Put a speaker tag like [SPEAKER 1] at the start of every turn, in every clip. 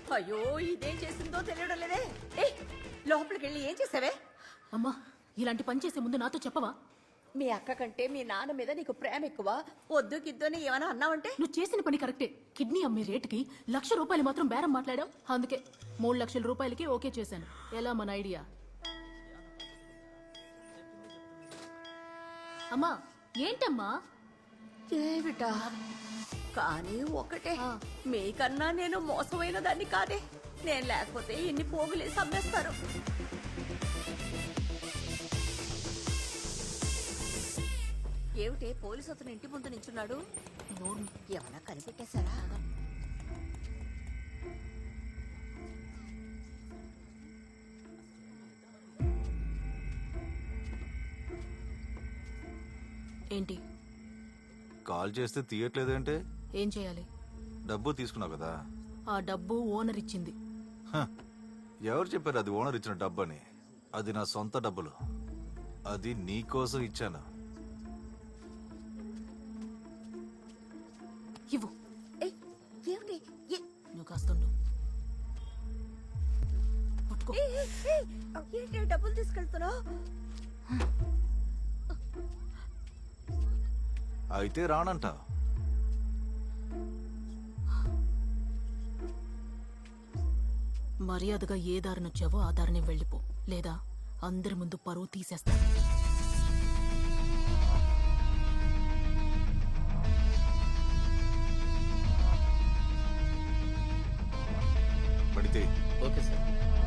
[SPEAKER 1] అయ్యో ఇదేం చేసిందో తెలియడం లేదే. ఏ లోపలికి వెళ్ళి ఏం చేసావే?
[SPEAKER 2] అమ్మా, ఇలాంటి పని చేసే ముందు నాతో చెప్పవా?
[SPEAKER 1] మీ అక్క కంటే మీ నాన్న మీద నీకు ప్రేమ ఎక్కువ. వద్దు గిద్దని ఏమైనా అన్నావంటే?
[SPEAKER 2] నువ్వు చేసిన పని కరెక్టే. కిడ్నీ అమ్మే రేటుకి ₹1,00,000 మాత్రం బేరం మాట్లాడావు. అందుకే 3 లక్షల రూపాయలకి ఓకే చేశాను. ఎలా మన ఐడియా? అమ్మా ఏంటమ్మా?
[SPEAKER 1] ఏమిటా? కానీ ఒకటే, మీకన్నా నేను మోసమైన దాన్ని కాదే. నేను లేకపోతే ఇన్ని పోగులేసి అమ్మేస్తారు. ఏమిటే పోలీసు అతను ఇంటి ముందు నించున్నాడు? ఏమన్నా కనిపెట్టేశారా?
[SPEAKER 2] ఏంటి?
[SPEAKER 3] కాల్ చేస్తే తీయట్లేదంటే
[SPEAKER 2] ఏం చేయాలి?
[SPEAKER 3] డబ్బు తీసుకున్నావు కదా.
[SPEAKER 2] ఆ డబ్బు ఓనర్ ఇచ్చింది.
[SPEAKER 3] హ, ఎవరు చెప్పారు అది ఓనర్ ఇచ్చిన డబ్బు అని? అది నా సొంత డబ్బులు. అది నీ కోసం ఇచ్చాను.
[SPEAKER 2] ఇవ్వు.
[SPEAKER 1] ఏమిటి?
[SPEAKER 2] నువ్వు కాస్తుండు. పట్టుకో.
[SPEAKER 1] ఏంటి డబ్బులు తీసుకెళ్తున్నావు?
[SPEAKER 3] అయితే రానంట.
[SPEAKER 2] మర్యాదగా ఏ దారినొచ్చావో ఆ దారిని వెళ్ళిపో, లేదా అందరి ముందు పరువు తీసేస్తా.
[SPEAKER 3] పడితే
[SPEAKER 4] ఓకే సార్.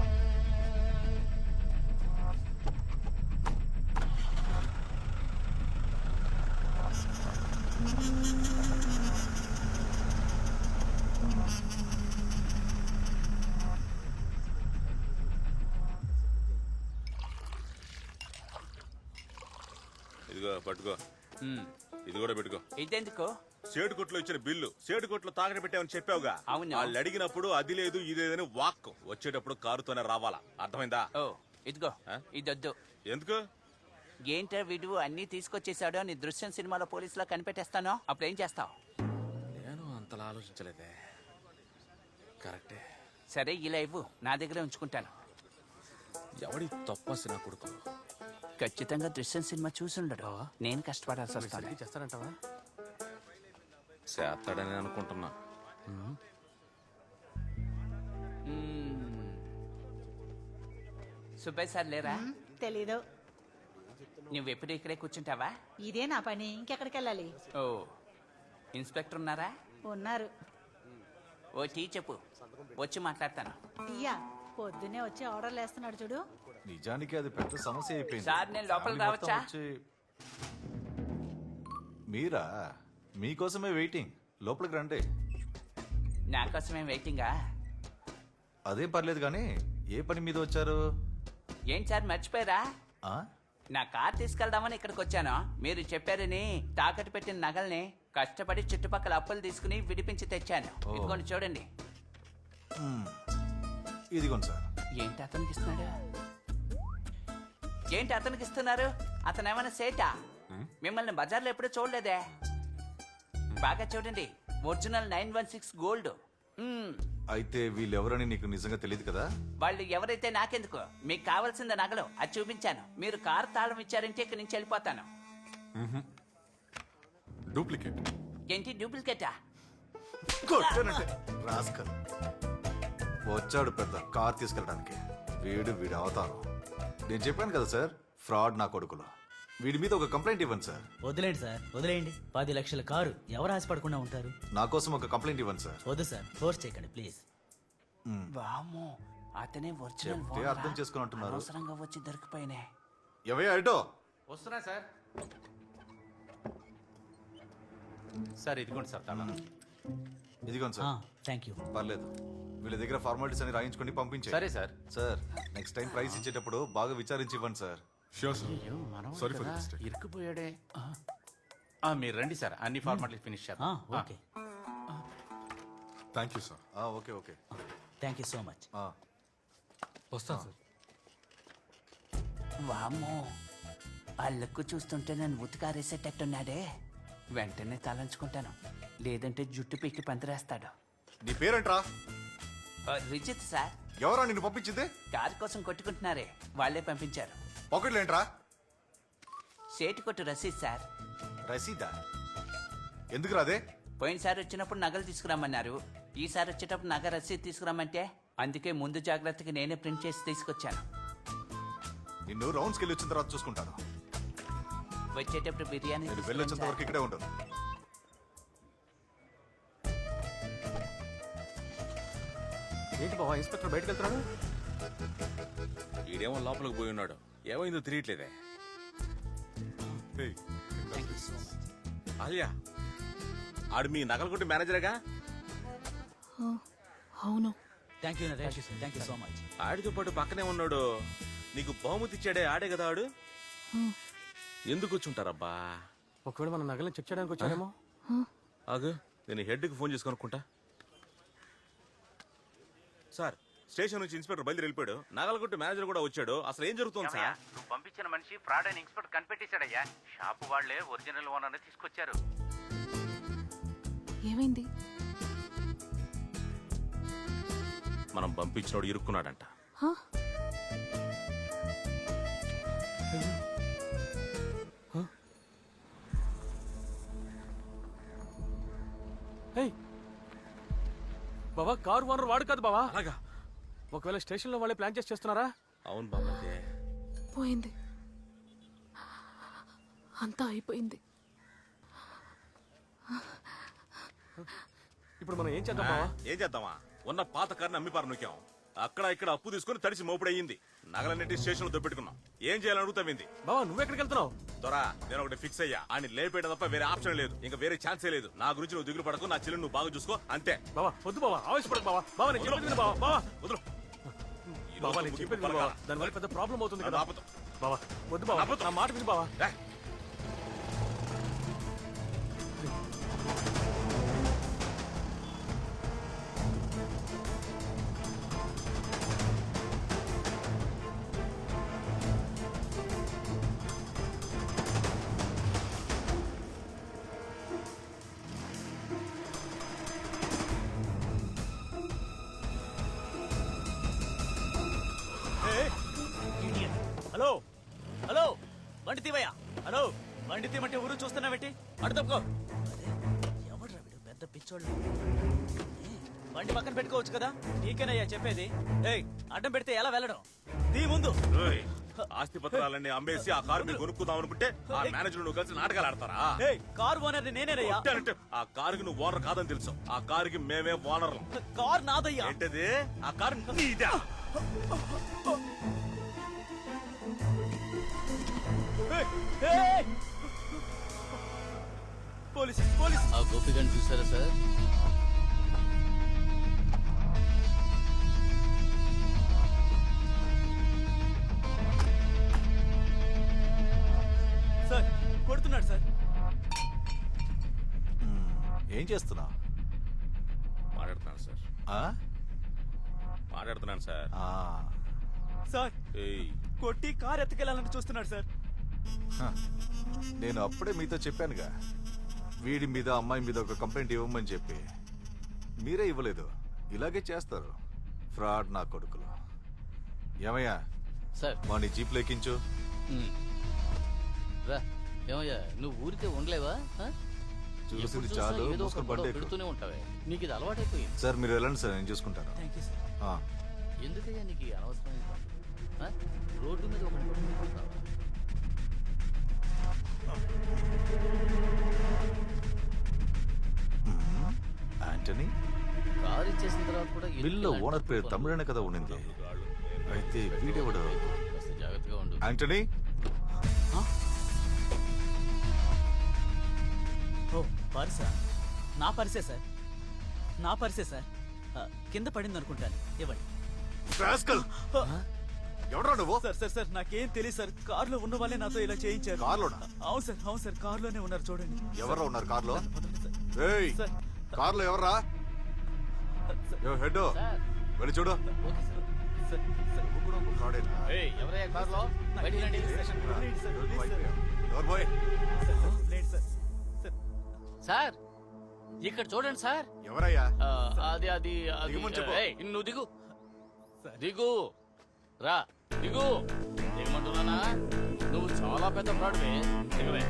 [SPEAKER 5] ఇదిగో పట్టుకో. ఇది కూడా పెట్టుకో.
[SPEAKER 6] ఇదెందుకు?
[SPEAKER 5] సేటు కొట్లో ఇచ్చిన బిల్లు సేటు కొట్లో తాకట పెట్టామని చెప్పావుగా.
[SPEAKER 6] అవును.
[SPEAKER 5] వాళ్ళు అడిగినప్పుడు అది లేదు ఇది లేదని వాక్ వచ్చేటప్పుడు కారుతోనే రావాలా. అర్థమైందా?
[SPEAKER 6] ఓ ఇదిగో, ఇదొద్దు.
[SPEAKER 5] ఎందుకు?
[SPEAKER 6] ఏంటో వీడు అన్ని తీసుకొచ్చేసాడు అని దృశ్యం సినిమాలో పోలీసులా కనిపెట్టేస్తాను. అప్పుడు ఏం చేస్తావు?
[SPEAKER 5] నేను అంతలా ఆలోచించలేదే. కరెక్టే.
[SPEAKER 6] సరే ఇలా ఇవ్వు, నా దగ్గరే ఉంచుకుంటాను.
[SPEAKER 5] ఎవడి తప్పసి నా కొడుకు.
[SPEAKER 6] ఖచ్చితంగా దృశ్యం సినిమా చూసుండడు. నేను కష్టపడాల్సి వస్తాను.
[SPEAKER 5] చేస్తానంటావా? చేస్తాడని అనుకుంటున్నా.
[SPEAKER 6] సుబ్బయ్య సార్ లేరా?
[SPEAKER 7] తెలీదు.
[SPEAKER 6] నువ్వెప్పుడు ఇక్కడే కూర్చుంటావా?
[SPEAKER 7] ఇదే నా పని, ఇంకెక్కడికి వెళ్ళాలి?
[SPEAKER 6] ఓ ఇన్స్పెక్టర్ ఉన్నారా?
[SPEAKER 7] ఉన్నారు.
[SPEAKER 6] ఓ టీ చెప్పు, వచ్చి మాట్లాడతాను.
[SPEAKER 7] టీయా? పొద్దున్నే వచ్చి ఆర్డర్లు వేస్తున్నాడు చూడు.
[SPEAKER 3] నిజానికి అది పెద్ద సమస్య అయిపోయింది.
[SPEAKER 6] సార్ నేను లోపల
[SPEAKER 3] ఫ్యామిలీ మొత్తం
[SPEAKER 6] రావచ్చా?
[SPEAKER 3] మీరా? మీకోసమే వెయిటింగ్. లోపలికి రండి.
[SPEAKER 6] నా కోసమేం వెయిటింగా?
[SPEAKER 3] అదే పర్లేదు కానీ ఏ పని మీద వచ్చారు?
[SPEAKER 6] ఏంటి సార్ మర్చిపోయారా?
[SPEAKER 3] ఆ?
[SPEAKER 6] నా కార్ తీసుకెళ్దామని ఇక్కడికి వచ్చాను. మీరు చెప్పారని తాకట్టు పెట్టిన నగల్ని కష్టపడి చుట్టుపక్కల అప్పులు తీసుకుని విడిపించి తెచ్చాను. ఇదిగోండి చూడండి.
[SPEAKER 3] ఇదిగోండి సార్.
[SPEAKER 6] ఏంటి అతనికి ఇస్తున్నాడు? ఏంటి అతనికి ఇస్తున్నారు? అతను ఏమైనా సేటా? మిమ్మల్ని బజార్లో ఎప్పుడూ చూడలేదే. బాగా చూడండి, ఒరిజినల్ 916 గోల్డ్.
[SPEAKER 3] అయితే వీళ్ళెవరని నీకు నిజంగా తెలియదు కదా?
[SPEAKER 6] వాళ్ళు ఎవరైతే నాకెందుకు? మీకు కావాల్సింది నగలు, అది చూపించాను. మీరు కారు తాళం ఇచ్చారంటే ఇక్కడి నుంచి వెళ్ళిపోతాను.
[SPEAKER 5] డూప్లికేట్.
[SPEAKER 6] ఏంటి డూప్లికేటా?
[SPEAKER 3] కొట్టానంటే రాస్కల్. వచ్చాడు పెద్ద కార్ తీసుకెళ్ళడానికి. వీడి అవతారం. నేను చెప్పాను కదా సార్, ఫ్రాడ్ నా కొడుకులు. వీడి మీద ఒక కంప్లైంట్ ఇవ్వండి సార్.
[SPEAKER 4] వదిలేండి సార్, వదిలేయండి. 10 లక్షల కారు ఎవరు ఆశపడకుండా ఉంటారు?
[SPEAKER 3] నా కోసం ఒక కంప్లైంట్ ఇవ్వండి సార్.
[SPEAKER 4] వద్దు సార్, ఫోర్స్ చేయకండి ప్లీజ్.
[SPEAKER 6] వామ్మో, అతనే ఒరిజినల్
[SPEAKER 3] చెప్తే అర్థం చేసుకుని అంటున్నారు.
[SPEAKER 6] అవసరంగా వచ్చి దొరికిపోయినే.
[SPEAKER 3] ఎవయ్యా అటో?
[SPEAKER 8] వస్తున్నా సార్. సార్ ఇదిగోండి సార్ తాళం.
[SPEAKER 3] ఇదిగోండి సార్.
[SPEAKER 4] Thank you.
[SPEAKER 3] పర్లేదు, వీళ్ళ దగ్గర ఫార్మాలిటీస్ అని రాయించుకొని పంపించే.
[SPEAKER 8] సరే sir.
[SPEAKER 3] Sir next time price ఇచ్చేటప్పుడు బాగా విచారించి ఇవ్వండి సార్.
[SPEAKER 8] ఇరుక్కుపోయాడే. మీరు రండి సార్, అన్ని ఫార్మాలిటీ ఫినిష్ చేద్దాం.
[SPEAKER 4] Okay.
[SPEAKER 5] Thank you sir.
[SPEAKER 3] Okay okay.
[SPEAKER 4] Thank you so much.
[SPEAKER 5] వస్తాను సార్.
[SPEAKER 6] వామ్మో, ఆ లుక్ చూస్తుంటే నన్ను ఉతికారేసేటట్టున్నాడే. వెంటనే తలంచుకుంటాను, లేదంటే జుట్టు పీకి పందిరేస్తాడు.
[SPEAKER 3] నీ పేరేంట్రా?
[SPEAKER 6] రిజిత్ సార్
[SPEAKER 3] ఎవరా నిన్ను పంపించింది?
[SPEAKER 6] కారు కోసం కొట్టుకుంటున్నారే వాళ్ళే పంపించారు.
[SPEAKER 3] పాకెట్లు ఏంట్రా?
[SPEAKER 6] సేటు కొట్టు రసీద్ సార్.
[SPEAKER 3] రసీదా? ఎందుకు రాదే?
[SPEAKER 6] పోయినసారి వచ్చినప్పుడు నగలు తీసుకురమ్మన్నారు, ఈసారి వచ్చేటప్పుడు నగ రసీద్ తీసుకురమ్మంటే అందుకే ముందు జాగ్రత్తగా నేనే ప్రింట్ చేసి తీసుకొచ్చాను.
[SPEAKER 3] నిన్ను రౌండ్స్కి వెళ్ళి వచ్చిన తర్వాత చూసుకుంటాను.
[SPEAKER 6] వచ్చేటప్పుడు బిర్యానీ
[SPEAKER 3] నేను
[SPEAKER 6] తీసుకురండి
[SPEAKER 3] వెళ్ళొచ్చేంత
[SPEAKER 6] సార్.
[SPEAKER 3] వరకు ఇక్కడే ఉండను.
[SPEAKER 9] ఏంటి బావా ఇన్స్పెక్టర్ బయటకు వెళ్తున్నాడు?
[SPEAKER 5] ఈడేమో లోపలికి పోయి ఉన్నాడు, ఏమైందో తెలియట్లేదే.
[SPEAKER 3] ఏయ్,
[SPEAKER 5] ఆలియా, ఆడు మీ నగలు కొట్టి మేనేజరేగా?
[SPEAKER 2] అవును.
[SPEAKER 4] Thank you Naresh, thank you so much.
[SPEAKER 5] ఆడితో పాటు పక్కనే ఉన్నాడు. నీకు బహుమతి ఇచ్చాడే ఆడే కదా ఆడు. ఎందుకు వచ్చుంటారబ్బా?
[SPEAKER 9] ఒకవేళ మన నగలను చెక్ చేయడానికి వచ్చాడేమో.
[SPEAKER 5] ఆగు, నేను హెడ్కి ఫోన్ చేసి కనుక్కుంటా. సార్, స్టేషన్ నుంచి ఇన్స్పెక్టర్ బయలుదేరి వెళ్ళిపోయాడు. నగలగొట్టు మేనేజర్ కూడా వచ్చాడు. అసలు ఏం జరుగుతుంది సార్?
[SPEAKER 8] నువ్వు పంపించిన మనిషి ఫ్రాడ్ అని ఇన్స్పెక్టర్ కనిపెట్టేశాడయ్యా. షాపు వాళ్లే ఒరిజినల్ ఓనర్ తీసుకొచ్చారు.
[SPEAKER 2] ఏమైంది?
[SPEAKER 5] మనం పంపించినోడు ఇరుక్కున్నాడంట.
[SPEAKER 2] హ?
[SPEAKER 9] ఏయ్ బావా, కారు ఓనర్ వాడు కాదు బావా.
[SPEAKER 5] అలాగా?
[SPEAKER 9] ఒకవేళ స్టేషన్ లో వాళ్ళే ప్లాన్ చేసి చేస్తున్నారా?
[SPEAKER 5] అవును బాబా.
[SPEAKER 2] పోయింది, అంతా అయిపోయింది.
[SPEAKER 9] ఇప్పుడు మనం ఏం చేద్దాం బావా?
[SPEAKER 5] ఏం చేద్దామా? ఉన్న పాత కారుని అమ్మిపారు నూకాం. అక్కడ ఇక్కడ అప్పు తీసుకుని తడిసి మోపుడయ్యింది. నగలన్నింటి స్టేషన్ లో దొబ్బెట్టుకున్నాం. ఏం చేయాలని అడుగుతావింది?
[SPEAKER 9] బావా నువ్వెక్కడికి వెళ్తున్నావు?
[SPEAKER 5] దొరా, నేను ఒకటి ఫిక్స్ అయ్యా. ఆయన లేపేయడం తప్ప వేరే ఆప్షన్ లేదు. ఇంకా వేరే ఛాన్సే లేదు. నా గురించి నువ్వు దిగులు పడకు. నా చెల్లిని నువ్వు బాగా చూసుకో, అంతే.
[SPEAKER 9] బావా వద్దు బావా, ఆవేశపడకు బావా. బావా నేను చెప్పేది విను బావా. బావా
[SPEAKER 5] వదులు. ఈ
[SPEAKER 9] బావా
[SPEAKER 5] రోజు
[SPEAKER 9] నేను
[SPEAKER 5] ముగింపు
[SPEAKER 9] చెప్పేది విను
[SPEAKER 5] పలకాల.
[SPEAKER 9] బావా. దానివల్ల పెద్ద ప్రాబ్లం అవుతుంది
[SPEAKER 5] నా
[SPEAKER 9] కదా.
[SPEAKER 5] ఆపుతాం.
[SPEAKER 9] బావా వద్దు బావా, నా మాట విను బావా.
[SPEAKER 5] రేయ్,
[SPEAKER 4] హలో హలో, బండి తీవయ్యా. హలో, బండి తీమంటే ఊరు చూస్తున్నావేంటి? అడు తప్పుకో. ఎవడ్రా వీడు, పెద్ద పిచ్చోళ్ళు. బండి పక్కన పెట్టుకోవచ్చు కదా, నీకేనయ్యా చెప్పేది. ఏయ్, అడ్డం పెడితే ఎలా వెళ్ళడం? తీ ముందు.
[SPEAKER 5] రేయ్, ఆస్తి పత్రాలన్నీ అమ్మేసి ఆ కారు మీరు కొనుక్కుందాం అనుకుంటే ఆ మేనేజర్ నువ్వు కలిసి నాటకాలు ఆడతారా?
[SPEAKER 4] ఏయ్, కారు ఓనర్ నేనేనయ్యా.
[SPEAKER 5] కొట్టానంటే ఆ కారుకి నువ్వు ఓనర్ కాదని తెలుసు. ఆ కారుకి మేమే ఓనర్లం.
[SPEAKER 4] కారు నాదయ్యా.
[SPEAKER 5] ఏంటది? ఆ కారు నీదా?
[SPEAKER 4] Police police.
[SPEAKER 10] ఆ గోపిగన్ చూసారా సార్?
[SPEAKER 4] సార్ కొడుతున్నాడు సార్.
[SPEAKER 3] ఏం చేస్తున్నావు?
[SPEAKER 5] మాట్లాడుతున్నాను సార్. మాట్లాడుతున్నాను సార్.
[SPEAKER 4] సార్
[SPEAKER 5] ఏయ్,
[SPEAKER 4] కొట్టి కారు ఎత్తుకెళ్ళాలని చూస్తున్నాడు సార్.
[SPEAKER 3] నేను అప్పుడే మీతో చెప్పానుగా, వీడి మీద అమ్మాయి మీద ఒక కంప్లైంట్ ఇవ్వమని చెప్పి. మీరే ఇవ్వలేదు. ఇలాగే చేస్తారు ఫ్రాడ్ నా కొడుకులు. ఏమయ్యా
[SPEAKER 10] సార్
[SPEAKER 3] వాడిని జీప్ లెక్కించు.
[SPEAKER 10] రా. ఏమయ్యా నువ్వు ఊరికే ఉండలేవా?
[SPEAKER 3] చూసింది
[SPEAKER 10] ఎప్పుడు చూసినా
[SPEAKER 3] చాలు,
[SPEAKER 10] ఏదో ఒక
[SPEAKER 3] మూసుకొని
[SPEAKER 10] గొడవ
[SPEAKER 3] బండి ఎక్కు.
[SPEAKER 10] పెడుతూనే ఉంటావే. నీకు ఇది అలవాటైపోయింది.
[SPEAKER 3] సార్ మీరు వెళ్ళండి సార్, నేను చూసుకుంటాను.
[SPEAKER 4] Thank you sir.
[SPEAKER 3] ఆ.
[SPEAKER 10] ఎందుకయ్యా నీకు ఈ అనవసరమైన పనులు? రోడ్డు మీద ఒకటి పట్టుకుంటావా?
[SPEAKER 3] యాంటనీ,
[SPEAKER 10] కారు ఇచ్చేసిన తర్వాత కూడా ఎందుకు
[SPEAKER 3] బిల్లో
[SPEAKER 10] ఇలాంటి
[SPEAKER 3] ఓనర్ పేరు
[SPEAKER 10] పనులు?
[SPEAKER 3] తమిళనే కదా ఉండింది. అయితే వీడెవడు?
[SPEAKER 10] కాస్త జాగ్రత్తగా ఉండు.
[SPEAKER 3] యాంటనీ,
[SPEAKER 4] ఓ పర్సా? నా పర్సే సార్, నా పర్సే సార్. కింద పడింది అనుకుంటాను, ఇవ్వండి.
[SPEAKER 3] రాస్కల్! ఎవడ్రా నువ్వు?
[SPEAKER 4] సార్ సార్ సార్ నాకేం తెలియదు సార్. కారులో ఉన్న వాళ్ళే నాతో ఇలా చేయించారు.
[SPEAKER 3] కార్లోనా?
[SPEAKER 4] అవును సార్, అవును సార్, కారులోనే ఉన్నారు చూడండి.
[SPEAKER 3] ఎవరు ఉన్నారు కార్లో?
[SPEAKER 4] పదండి సార్.
[SPEAKER 3] ఏయ్,
[SPEAKER 4] సార్.
[SPEAKER 3] కార్లో ఎవర్రా? హెడ్
[SPEAKER 10] సార్,
[SPEAKER 3] వెళ్ళి చూడు.
[SPEAKER 10] Okay sir.
[SPEAKER 4] సార్, సార్,
[SPEAKER 3] నువ్వు కూడా ఒక ఫ్రాడేనా?
[SPEAKER 10] ఏయ్, ఎవరయ్యా కారులో? బయటికి రండి.
[SPEAKER 4] వదిలేయండి సార్,
[SPEAKER 3] ఎవరు
[SPEAKER 4] ప్లీజ్ సార్.
[SPEAKER 3] పోయి?
[SPEAKER 4] సార్, సార్, వదిలేయండి సార్. సార్,
[SPEAKER 10] సార్ ఇక్కడ చూడండి సార్
[SPEAKER 3] ఎవరయ్యా
[SPEAKER 10] అది అది అది
[SPEAKER 3] దిగమని చెప్పు.
[SPEAKER 10] ఏయ్, నువ్వు దిగు దిగు రా దిగు దిగమంటున్నానా నువ్వు చాలా పెద్ద ఫ్రాడ్వే దిగవే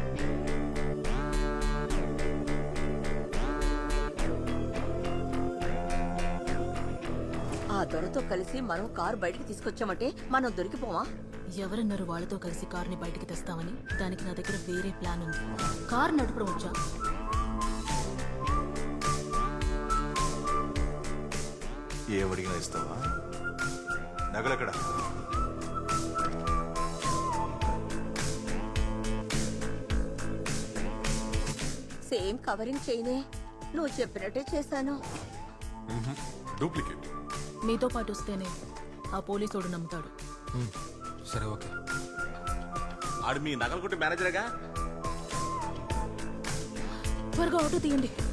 [SPEAKER 1] ఆ దొరతో కలిసి మనం కారు బయటికి తీసుకొచ్చామంటే మనం దొరికిపోవా?
[SPEAKER 2] ఎవరన్నారు వాళ్ళతో కలిసి కార్ని బయటికి తెస్తామని? దానికి నా దగ్గర వేరే ప్లాన్ ఉంది. కార్ నడపడం వచ్చా?
[SPEAKER 3] ఏమడిగినా ఇస్తావా? నగలెక్కడ?
[SPEAKER 1] సేమ్ కవరింగ్ చేయనే, నువ్వు చెప్పినట్టే చేశాను.
[SPEAKER 3] డూప్లికేట్.
[SPEAKER 2] మీతో పాటు వస్తేనే ఆ పోలీసోడు నమ్ముతాడు.
[SPEAKER 9] సరే ఓకే.
[SPEAKER 5] ఆడు మీ నగలు కొట్టి మేనేజరేగా.
[SPEAKER 2] త్వరగా ఆటో తీయండి.